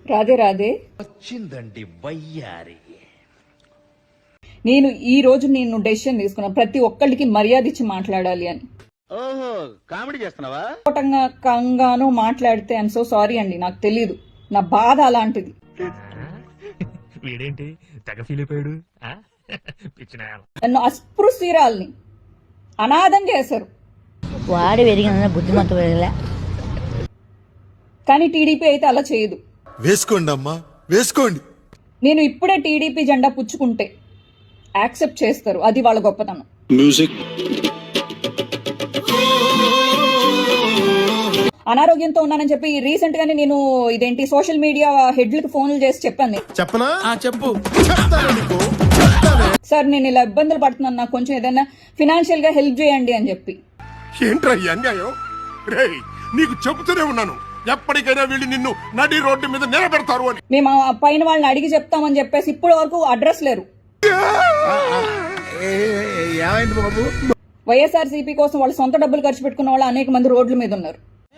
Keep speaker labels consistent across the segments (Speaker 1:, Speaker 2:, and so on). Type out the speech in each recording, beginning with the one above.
Speaker 1: రాధే రాధే.
Speaker 2: వచ్చిందండి వయ్యారి.
Speaker 1: నేను నేను డెసిషన్ తీసుకున్నా, ప్రతి ఒక్కళ్ళకి మర్యాద ఇచ్చి మాట్లాడాలి అని.
Speaker 2: ఓహో, కామెడీ చేస్తున్నావా?
Speaker 1: కంగాను మాట్లాడితే ఐఎమ్ సో సారీ అండి, నాకు తెలీదు, నా బాధ అలాంటిది.
Speaker 3: వీడేంటి తెగ ఫీల్ అయిపోయాడు.
Speaker 1: నన్ను అస్పృశ్యురాల్ని అనాథం చేశారు.
Speaker 4: వాడి పెరిగిన బుద్ధిమంత
Speaker 1: కానీ టీడీపీ అయితే అలా చేయదు.
Speaker 5: వేసుకోండి అమ్మా, వేసుకోండి.
Speaker 1: నేను ఇప్పుడే టీడీపీ జెండా పుచ్చుకుంటే యాక్సెప్ట్ చేస్తారు, అది వాళ్ళ గొప్పతనం.
Speaker 5: మ్యూజిక్.
Speaker 1: అనారోగ్యంతో ఉన్నానని చెప్పి రీసెంట్ గానే నేను ఇదేంటి సోషల్ మీడియా హెడ్లకు ఫోన్లు చేసి చెప్పాను.
Speaker 5: చెప్పనా? చెప్పు.
Speaker 1: సార్ నేను ఇలా ఇబ్బందులు పడుతున్నాను, నాకు కొంచెం ఏదైనా ఫినాన్షియల్ గా హెల్ప్ చేయండి అని చెప్పి.
Speaker 5: ఏంట్రా ఈ అన్యాయం? రేయ్, నీకు చెబుతూనే ఉన్నాను, ఎప్పటికైనా వీళ్ళు నిన్ను నడి రోడ్డు మీద నిలబెడతారు అని.
Speaker 1: మేము ఆ పైన వాళ్ళని అడిగి చెప్తామని చెప్పేసి ఇప్పటి వరకు అడ్రస్ లేరు.
Speaker 5: ఏమైంది బాబు?
Speaker 1: వైఎస్ఆర్సీపీ కోసం వాళ్ళు సొంత డబ్బులు ఖర్చు పెట్టుకున్న వాళ్ళు అనేక మంది రోడ్ల మీద ఉన్నారు.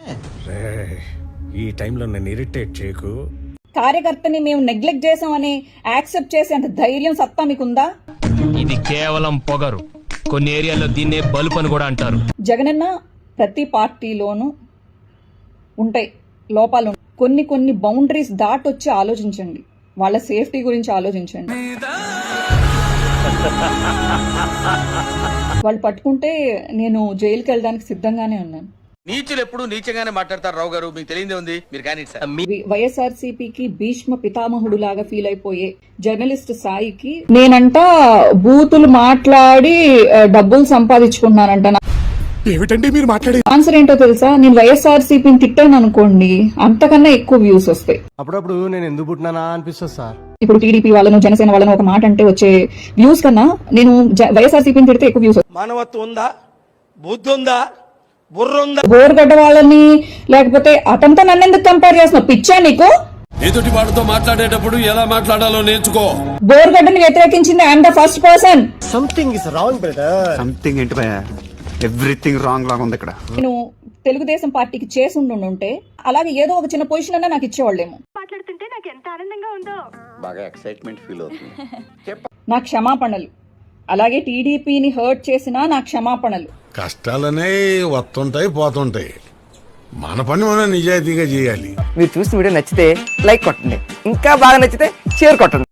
Speaker 5: ఈ టైంలో నన్ను ఇరిటేట్ చేయకు.
Speaker 1: కార్యకర్తని మేము నెగ్లెక్ట్ చేసామని యాక్సెప్ట్ చేసేంత ధైర్యం, సత్తా మీకుందా?
Speaker 3: ఇది కేవలం పొగరు. కొన్ని ఏరియాలో దీన్నే బలుపు అని కూడా అంటారు.
Speaker 1: జగనన్న ప్రతి పార్టీలోనూ ఉంటాయి లోపాలు. కొన్ని బౌండరీస్ దాటొచ్చి ఆలోచించండి, వాళ్ళ సేఫ్టీ గురించి ఆలోచించండి. వాళ్ళు పట్టుకుంటే నేను జైలుకి వెళ్ళడానికి సిద్ధంగానే ఉన్నాను.
Speaker 2: నీచులు ఎప్పుడు నీచంగానే మాట్లాడతారు రావు గారు, మీకు తెలియదే ఉంది. మీరు కానీ
Speaker 1: వైఎస్ఆర్సీపీకి భీష్మ పితామహుడు లాగా ఫీల్ అయిపోయే జర్నలిస్ట్ సాయికి నేనంట బూతులు మాట్లాడి డబ్బులు సంపాదించుకుంటున్నానంట.
Speaker 5: ఏమిటండి మీరు మాట్లాడే
Speaker 1: ఆన్సర్ ఏంటో తెలుసా? నేను వైఎస్ఆర్సీపీని తిట్టాను అనుకోండి, అంతకన్నా ఎక్కువ వ్యూస్ వస్తాయి.
Speaker 6: అప్పుడప్పుడు నేను ఎందుకు పుట్టినానా అనిపిస్తుంది సార్.
Speaker 1: ఇప్పుడు టీడీపీ వాళ్ళను, జనసేన వాళ్ళను ఒక మాట అంటే వచ్చే వ్యూస్ కన్నా నేను వైఎస్ఆర్సీపీని తిడితే ఎక్కువ వ్యూస్.
Speaker 7: మానవత్వం ఉందా? బుద్ధి ఉందా? బుర్ర ఉందా?
Speaker 1: బోర్గడ్డ వాళ్ళని లేకపోతే అతనితో నన్ను ఎందుకు కంపేర్ చేస్తున్నావు? పిచ్చా నీకు?
Speaker 8: ఎదుటి వాడితో మాట్లాడేటప్పుడు ఎలా మాట్లాడాలో నేర్చుకో.
Speaker 1: బోర్గడ్డని వ్యతిరేకించింది I'm the first person.
Speaker 6: Something is wrong brother.
Speaker 9: Something ఏంటి భయ? ఎవ్రీథింగ్ రాంగ్ లాగా ఉంది ఇక్కడ.
Speaker 1: నేను తెలుగుదేశం పార్టీకి చేసి ఉంటే అలాగే ఏదో ఒక చిన్న పొజిషన్ అన్నా నాకు ఇచ్చేవాళ్ళేమో.
Speaker 4: మాట్లాడుతుంటే నాకు ఎంత ఆనందంగా ఉందో.
Speaker 2: బాగా ఎక్సైట్మెంట్ ఫీల్ అవుతుంది.
Speaker 1: నా క్షమాపణలు. అలాగే టీడీపీని హర్ట్ చేసినా నా క్షమాపణలు.
Speaker 5: కష్టాలనే వస్తుంటాయి, పోతుంటాయి. మన పని మనం నిజాయితీగా చేయాలి.
Speaker 7: మీరు చూసిన వీడియో నచ్చితే లైక్ కొట్టండి, ఇంకా బాగా నచ్చితే షేర్ కొట్టండి.